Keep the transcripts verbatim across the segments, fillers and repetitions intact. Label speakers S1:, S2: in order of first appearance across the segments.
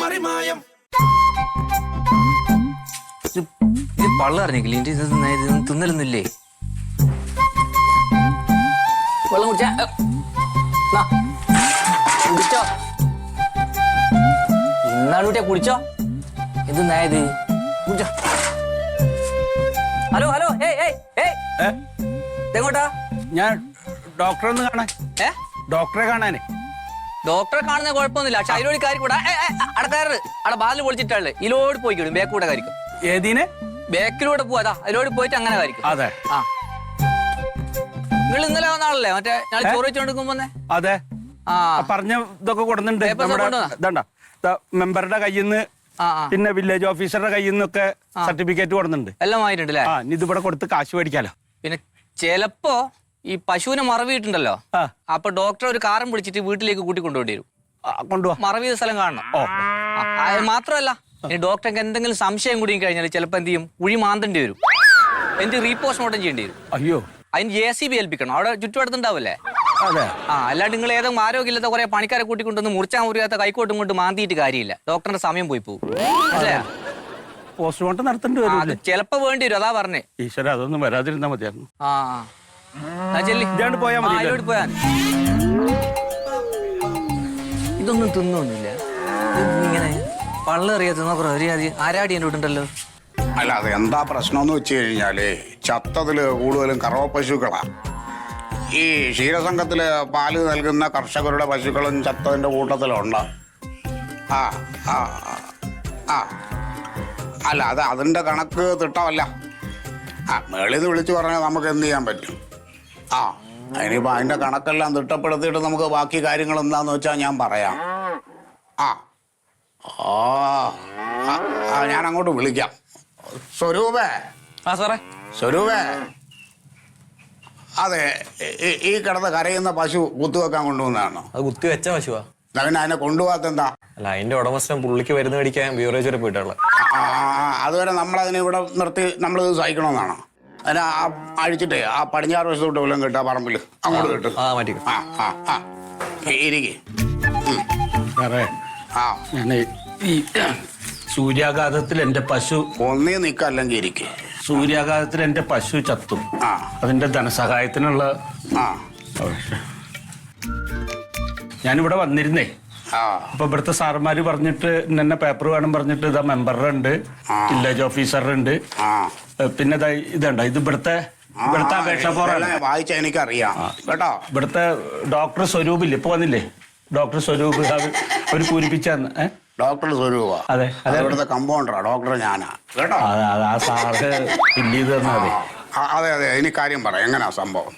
S1: മറിമായം.
S2: പള്ള അറിഞ്ഞില്ലേ തിന്നലൊന്നുമില്ലേ? വെള്ളം കുടിച്ചാ കുടിച്ചോ ഇന്നാണ് കുട്ടിയാ കുടിച്ചോ. ഇത് നായത് കുടിച്ചോ. ഹലോ ഹലോ ഏയ് ഏയ് ഏയ് എങ്ങോട്ടാ?
S3: ഞാൻ ഡോക്ടറെ ഒന്ന് കാണാൻ.
S2: ഏ
S3: ഡോക്ടറെ കാണാനേ.
S2: ഡോക്ടറെ കാണുന്ന കുഴപ്പമൊന്നുമില്ല. പക്ഷെ അതിലോട് കാര്യം കൂടാ അടക്കാറ് അവിടെ ബാലിൽ പൊളിച്ചിട്ടാള് ഇതിലോട് പോയിക്കോളും. ബേക്കൂടെ കാര്യം
S3: ഏതിനെ
S2: ബേക്കിലൂടെ പോവാ അതിലോട് പോയിട്ട് അങ്ങനെ കാര്യം.
S3: അതെ
S2: ആ നിങ്ങൾ ഇന്നലെ വന്ന ആളല്ലേ മറ്റേ ഞാൻ ചോറ് വെച്ചോണ്ടിരിക്കുമ്പോ?
S3: അതെ
S2: ആ
S3: പറഞ്ഞ ഇതൊക്കെ കൊടുക്കുന്നുണ്ട്. ഇതണ്ട മെമ്പറുടെ കയ്യിൽ നിന്ന് പിന്നെ വില്ലേജ് ഓഫീസറുടെ കയ്യിൽ നിന്നൊക്കെ സർട്ടിഫിക്കറ്റ് കൊടുക്കുന്നുണ്ട്.
S2: എല്ലാം ആയിട്ടുണ്ടല്ലേ?
S3: ആ ഇനി ഇതിവിടെ കൊടുത്ത് കാശ് മേടിക്കാലോ.
S2: പിന്നെ ചിലപ്പോ ഈ പശുവിനെ മറവിയിട്ടുണ്ടല്ലോ, അപ്പൊ ഡോക്ടർ ഒരു കാറും പിടിച്ചിട്ട് വീട്ടിലേക്ക് കൂട്ടി കൊണ്ടുപോയി വരും.
S3: കൊണ്ടുപോവാ
S2: മറവി സ്ഥലം കാണണം. അത് മാത്രമല്ല ഇനി ഡോക്ടർക്ക് എന്തെങ്കിലും സംശയം കൂടി കഴിഞ്ഞാൽ ചിലപ്പോ എന്ത് ചെയ്യും, കുഴി മാന്തേണ്ടി വരും. എനിക്ക് റീപോസ്റ്റ്മോർട്ടം ചെയ്യേണ്ടി വരും.
S3: അയ്യോ
S2: അതിന് ജെ സി ബി ഏൽപ്പിക്കണം. അവിടെ ചുറ്റുവട്ടത്തുണ്ടാവില്ലേ?
S3: അതെ.
S2: ആ അല്ലാണ്ട് നിങ്ങൾ ഏതെങ്കിലും ആരോഗ്യമില്ലാത്ത കുറെ പണിക്കാരെ കൂട്ടിക്കൊണ്ടൊന്ന് മുറിച്ചാൽ മുറിയാത്ത കൈക്കോട്ടും കൊണ്ട് മാന്തിയിട്ട് കാര്യമില്ല. ഡോക്ടറിന്റെ സമയം പോയി പോകും.
S3: പോസ്റ്റ്മോർട്ടം നടത്തേണ്ടി വരും.
S2: അത് ചിലപ്പോ വേണ്ടി വരും. അതാ പറഞ്ഞേ.
S3: ഈശ്വര അതൊന്നും വരാതിരുന്നാ മതിയായിരുന്നു.
S2: ആ
S3: പോയാ മതി.
S2: പോയാ ഇതൊന്നും തിന്നൊന്നുമില്ല. ഇങ്ങനെ പള്ളറിയാ തിന്നോ ആരാടി എൻ്റെ വീട്ടുണ്ടല്ലോ.
S4: അല്ല അത് എന്താ പ്രശ്നം എന്ന് വെച്ച് കഴിഞ്ഞാല് ചത്തതില് കൂടുതലും കറവ പശുക്കളാ. ഈ ക്ഷീരസംഘത്തില് പാല് നൽകുന്ന കർഷകരുടെ പശുക്കളും ചത്തതിന്റെ കൂട്ടത്തിലുണ്ട്. ആ ആ ആ അല്ല അത് അതിന്റെ കണക്ക് തിട്ടമല്ല. ആ മേളിന്ന് വിളിച്ചു പറഞ്ഞാൽ നമുക്ക് എന്ത് ചെയ്യാൻ പറ്റും? ആ അതിനിപ്പോ അതിന്റെ കണക്കെല്ലാം തിട്ടപ്പെടുത്തിയിട്ട് നമുക്ക് ബാക്കി കാര്യങ്ങൾ എന്താന്ന് വെച്ചാൽ ഞാൻ പറയാം. ആ ആ ഞാൻ അങ്ങോട്ട് വിളിക്കാം. സ്വരൂപേ.
S2: ആ സാറേ.
S4: സ്വരൂപേ, അതെ ഈ കിടന്ന് കരയുന്ന പശു കുത്തുവെക്കാൻ കൊണ്ടുവന്നതാണോ?
S5: അത് കുത്തി വെച്ച പശുവാ.
S4: പിന്നെ അതിനെ കൊണ്ടുപോകാത്ത എന്താ?
S5: അല്ല അതിന്റെ ഉടമസ്ഥൻ പുള്ളിക്ക് മരുന്ന് മേടിക്കാൻ ബിവറേജ് വരെ പോയിട്ടുള്ള.
S4: അതുവരെ നമ്മളതിനെ ഇവിടെ നിർത്തി നമ്മളിത് സഹിക്കണമെന്നാണോ? അതിനെ ആ അഴിച്ചിട്ടേ ആ പടിഞ്ഞാറ് വശത്തോട്ട് വല്ലതും കിട്ടുക പറമ്പിൽ അങ്ങോട്ട് കിട്ടും.
S5: ആ മാറ്റി.
S4: ആ ആ ആ ഇരിക്കേ. ആ
S3: ഞാൻ ഈ സൂര്യാഘാതത്തിൽ എന്റെ പശു
S4: ഒന്നേ നിൽക്കുക അല്ലെങ്കിൽ ഇരിക്കേ.
S3: സൂര്യാഘാതത്തിൽ എന്റെ പശു ചത്തു.
S4: ആ
S3: അതിന്റെ ധനസഹായത്തിനുള്ള
S4: ആ
S3: ഞാനിവിടെ വന്നിരുന്നേ.
S4: ആ
S3: അപ്പൊ ഇവിടുത്തെ സാറന്മാര് പറഞ്ഞിട്ട് എന്നെ പേപ്പർ വേണം പറഞ്ഞിട്ട് ഇതാ മെമ്പറുടെ ഉണ്ട്, വില്ലേജ് ഓഫീസറുടെ ഉണ്ട്, പിന്നെ ഇതുണ്ട്. ഇത് ഇവിടുത്തെ ഇവിടുത്തെ അപേക്ഷ ഫോറാണ്.
S4: വായിച്ച എനിക്കറിയാം കേട്ടോ.
S3: ഇവിടുത്തെ ഡോക്ടർ സ്വരൂപില്ലേ, ഇപ്പൊ വന്നില്ലേ ഡോക്ടർ സ്വരൂപ്, അവര് പൂരിപ്പിച്ചാന്ന്. ഏഹ്
S4: ഡോക്ടർ സ്വരൂപ?
S3: അതെ അതെ.
S4: ഇവിടുത്തെ കമ്പൗണ്ടറാ ഡോക്ടർ ഞാനാ കേട്ടോ.
S3: ആ സാറ് ഫില്ല് ചെയ്ത് തന്നാ മതി.
S4: അതെ അതെ ഇനി കാര്യം പറയാം. എങ്ങനെയാ സംഭവം?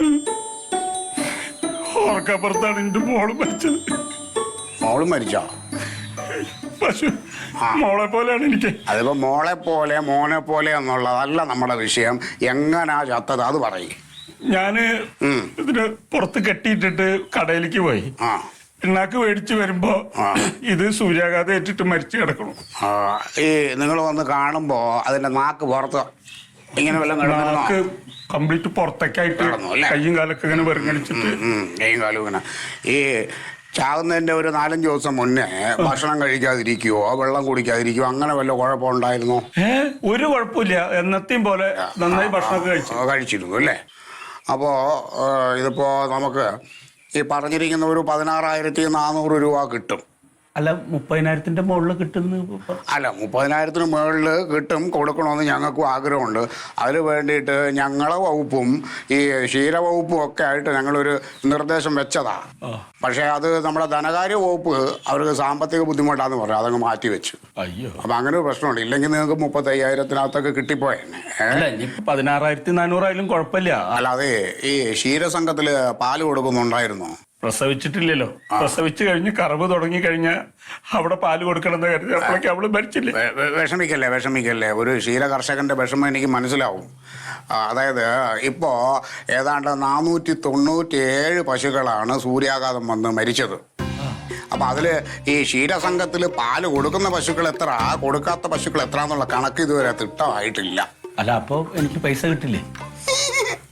S3: ഓർക്കപ്പുറത്താണ് എന്റെ മോള് മരിച്ചത്.
S4: മോള് മരിച്ചോ?
S3: പശു മോളെ പോലെയാണ് എനിക്ക്.
S4: അതിപ്പോ മോളെ പോലെ മോനെ പോലെ എന്നുള്ളതല്ല നമ്മുടെ വിഷയം. എങ്ങനാ ചത്തത് അത് പറയും.
S3: ഞാന് ഇതിന് പുറത്ത് കെട്ടിയിട്ടിട്ട് കടയിലേക്ക് പോയി.
S4: ആ
S3: പിണ്ണാക്ക് മേടിച്ചു വരുമ്പോ ഇത് സൂര്യാഘാതം ഏറ്റിട്ട് മരിച്ചു കിടക്കണം.
S4: ഈ നിങ്ങൾ വന്ന് കാണുമ്പോ അതിന്റെ നാക്ക് പുറത്ത് ഇങ്ങനെ വല്ലതും
S3: നാക്ക് കംപ്ലീറ്റ് പുറത്തേക്കായിട്ട് കയ്യും കാലൊക്കെ ഇങ്ങനെ വെറുങ്ങടിച്ചിട്ട്
S4: കയ്യും കാലും ഇങ്ങനെ. ഈ ചാകുന്നതിന്റെ ഒരു നാലഞ്ച് ദിവസം മുന്നേ ഭക്ഷണം കഴിക്കാതിരിക്കുവോ വെള്ളം കുടിക്കാതിരിക്കുവോ അങ്ങനെ വല്ല കുഴപ്പമുണ്ടായിരുന്നോ?
S3: ഏഹ് ഒരു കുഴപ്പമില്ല. എന്നത്തെയും പോലെ നന്നായി ഭക്ഷണമൊക്കെ കഴിച്ചു
S4: കഴിച്ചിരുന്നു അല്ലേ? അപ്പോ ഇതിപ്പോ നമുക്ക് ഈ പറഞ്ഞിരിക്കുന്ന ഒരു പതിനാറായിരത്തി നാനൂറ് രൂപ കിട്ടും.
S3: അല്ല മുപ്പതിനായിരത്തിന്റെ മുകളിൽ കിട്ടുന്നു.
S4: അല്ല മുപ്പതിനായിരത്തിന് മുകളിൽ കിട്ടും. കൊടുക്കണമെന്ന് ഞങ്ങൾക്കും ആഗ്രഹമുണ്ട്. അതിന് വേണ്ടിയിട്ട് ഞങ്ങളെ വകുപ്പും ഈ ക്ഷീരവകുപ്പും ഒക്കെ ആയിട്ട് ഞങ്ങളൊരു നിർദ്ദേശം വെച്ചതാ. പക്ഷെ അത് നമ്മുടെ ധനകാര്യ വകുപ്പ് അവർക്ക് സാമ്പത്തിക ബുദ്ധിമുട്ടാന്ന് പറഞ്ഞു അതങ്ങ് മാറ്റി വെച്ചു.
S3: അയ്യോ.
S4: അപ്പൊ അങ്ങനെ ഒരു പ്രശ്നമുണ്ട്. ഇല്ലെങ്കിൽ നിങ്ങൾക്ക് മുപ്പത്തി അയ്യായിരത്തിനകത്തൊക്കെ കിട്ടിപ്പോയെന്നെ.
S3: പതിനാറായിരത്തി നാനൂറായാലും കുഴപ്പമില്ല.
S4: അല്ലാതെ ഈ ക്ഷീരസംഘത്തില് പാല് കൊടുക്കുന്നുണ്ടായിരുന്നോ?
S3: പ്രസവിച്ചിട്ടില്ലല്ലോ. പ്രസവിച്ചു കഴിഞ്ഞ് കറവ് തുടങ്ങി കഴിഞ്ഞാൽ അവിടെ പാല് കൊടുക്കണമെന്ന് കരുതി അപ്പോഴേക്ക് അവള് മരിച്ചില്ലേ.
S4: വിഷമിക്കല്ലേ വിഷമിക്കല്ലേ ഒരു ക്ഷീര കർഷകന്റെ വിഷമം എനിക്ക് മനസ്സിലാവും. അതായത് ഇപ്പോ ഏതാണ്ട് നാനൂറ്റി തൊണ്ണൂറ്റി ഏഴ് പശുക്കളാണ് സൂര്യാഘാതം വന്ന് മരിച്ചത്. അപ്പൊ അതില് ഈ ക്ഷീരസംഘത്തിൽ പാല് കൊടുക്കുന്ന പശുക്കൾ എത്ര, കൊടുക്കാത്ത പശുക്കൾ എത്ര എന്നുള്ള കണക്ക് ഇതുവരെ തിട്ടമായിട്ടില്ല.
S3: അല്ല അപ്പൊ എനിക്ക് പൈസ കിട്ടില്ലേ?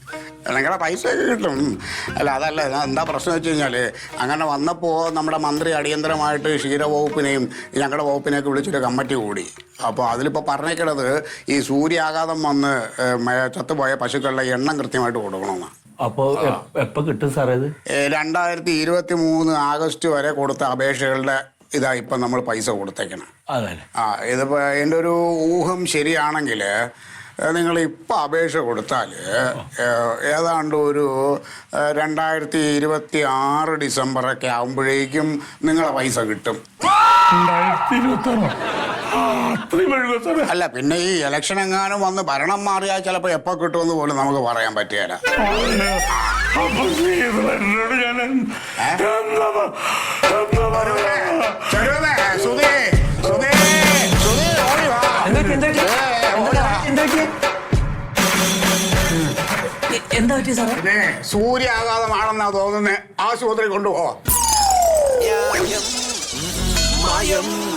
S4: നിങ്ങളുടെ പൈസയൊക്കെ കിട്ടും. അല്ല അതല്ല ഞാൻ എന്താ പ്രശ്നം വെച്ച് കഴിഞ്ഞാൽ അങ്ങനെ വന്നപ്പോൾ നമ്മുടെ മന്ത്രി അടിയന്തരമായിട്ട് ക്ഷീരവകുപ്പിനെയും ഞങ്ങളുടെ വകുപ്പിനെയൊക്കെ വിളിച്ചൊരു കമ്മിറ്റി കൂടി. അപ്പോൾ അതിലിപ്പോൾ പറഞ്ഞേക്കണത് ഈ സൂര്യാഘാതം വന്ന് ഏ, ചത്തുപോയ പശുക്കളുടെ എണ്ണം കൃത്യമായിട്ട് കൊടുക്കണമെന്നാണ്.
S3: അപ്പോ എപ്പോ കിട്ടും സാറേ ഇത്?
S4: രണ്ടായിരത്തി ഇരുപത്തി മൂന്ന് ആഗസ്റ്റ് വരെ കൊടുത്ത അപേക്ഷകളുടെ ഇതാ ഇപ്പം നമ്മൾ പൈസ കൊടുത്തേക്കണം.
S3: അതെ.
S4: ആ ഇതിപ്പോൾ എൻ്റെ ഒരു ഊഹം ശരിയാണെങ്കിൽ നിങ്ങൾ ഇപ്പം അപേക്ഷ കൊടുത്താൽ ഏതാണ്ട് ഒരു രണ്ടായിരത്തി ഇരുപത്തി ആറ് ഡിസംബറൊക്കെ ആകുമ്പോഴേക്കും നിങ്ങളെ പൈസ കിട്ടും. അല്ല പിന്നെ ഈ ഇലക്ഷൻ എങ്ങാനും വന്ന് ഭരണം മാറിയാൽ ചിലപ്പോൾ എപ്പോൾ കിട്ടുമെന്ന് പോലും നമുക്ക് പറയാൻ പറ്റുകയില്ല.
S2: എന്താ പറ്റിയ സാറേ?
S4: സൂര്യാഘാതമാണെന്നാ തോന്നുന്നത്. ആശുപത്രി കൊണ്ടുപോവാ.